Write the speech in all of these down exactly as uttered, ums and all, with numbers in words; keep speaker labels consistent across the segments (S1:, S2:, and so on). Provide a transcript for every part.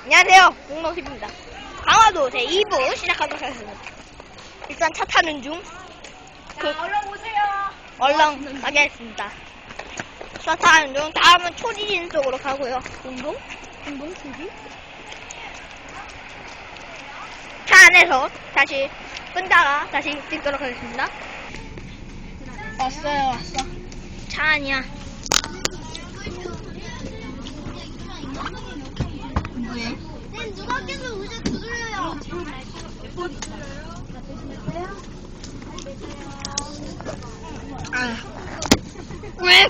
S1: 안녕하세요, 공동팀입니다. 강화도 제이 부 시작하도록 하겠습니다. 일단 차 타는 중. 그,
S2: 자, 얼른 오세요.
S1: 얼른 가겠습니다. 차 타는 중. 다음은 초지진 쪽으로 가고요. 공동? 공동 초지? 차 안에서 다시 끈다가 다시 찍도록 하겠습니다. 왔어요, 왔어. 차 안이야. 뭐해?
S3: 쌤 누가 계속 의자 두드려요.
S1: 아. 왜?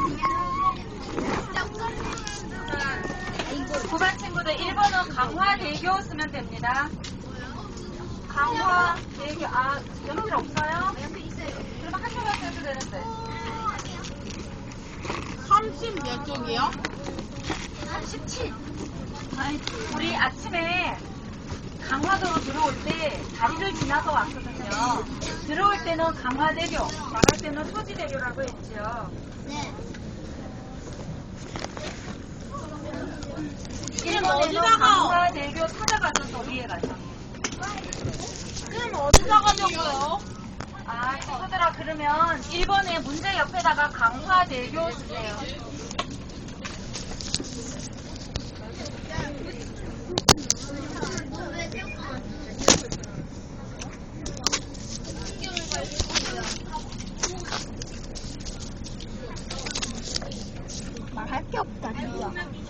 S2: 구 반 친구들 일 번은 강화대교 쓰면 됩니다. 강화대교, 아, 연필 없어요? 그러면 한 조각 써도 되는데.
S3: 삼십 몇 쪽이요?
S2: 삼십칠. 우리 아침에 강화도로 들어올 때 다리를 지나서 왔거든요. 들어올 때는 강화대교, 나갈 때는 소지대교라고 했죠.
S3: 네.
S2: 일 번에서 강화대교 찾아가서 저 위에 가서.
S3: 쌤 어디다 가냐고요?
S2: 아, 친구들아, 그러면 일 번에 문제 옆에다가 강화대교 쓰세요.
S1: 말할 게 없다, 진짜.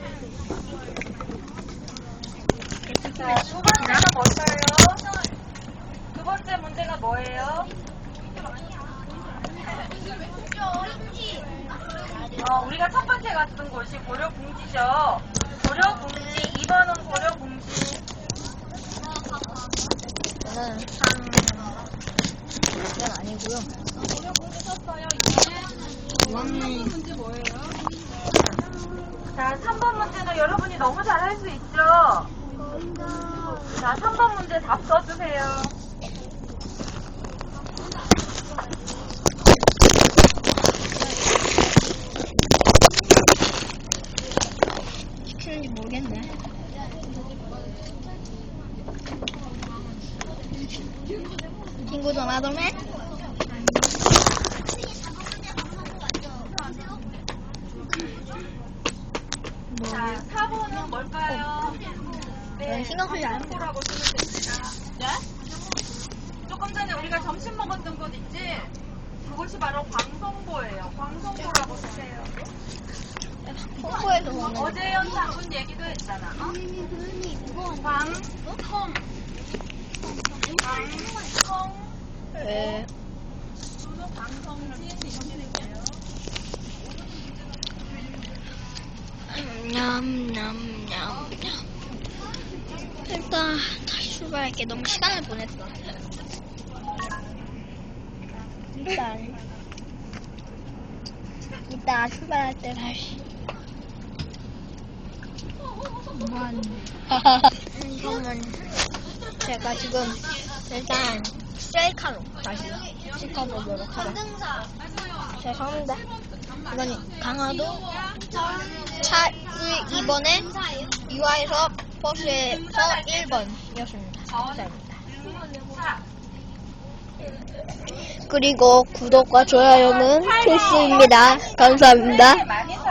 S2: 자, 두 번째는 뭘까요? 두 번째 문제가 뭐예요? 어, 우리가 첫 번째 갔던 곳이 고려궁지죠. 고려궁지, 이 번은 고려궁지.
S1: 저는 이건 아니고요.
S2: 고려궁지 쳤어요,
S1: 음.
S2: 문제 뭐예요? 자, 삼 번 문제는 여러분이 너무 잘할 수 있죠? 자, 삼 번 문제 답 써주세요.
S1: 시키는지 모르겠네. 친구 전화동네?
S2: 자, 사 번은 뭘까요?
S1: 네, 신경 쓰지 않아요.
S2: 광송고라고 쓰면 됩니다. 네? 조금 전에 우리가 점심 먹었던 곳 있지? 그곳이 바로 광송고예요. 광송고라고 쓰세요.
S1: 홍보에서 보는
S2: 어제연 장군 얘기도 했잖아. 어? 광, 성. 광성.
S1: 에,
S2: 광성진 이렇게 될게요.
S1: 냠냠냠냠. 일단 다시 출발할게. 너무 시간을 보냈어. 일단 이따 출발할 때 다시. 그러면 제가 지금 일단 셀카로 다시 찍어보도록 하겠습니다. 죄송합니다. 이건 강화도 차 일 번에 유아에서 버스에서 일 번이었습니다. 감사합니다. 그리고 구독과 좋아요는 필수입니다. 감사합니다.
S2: 많이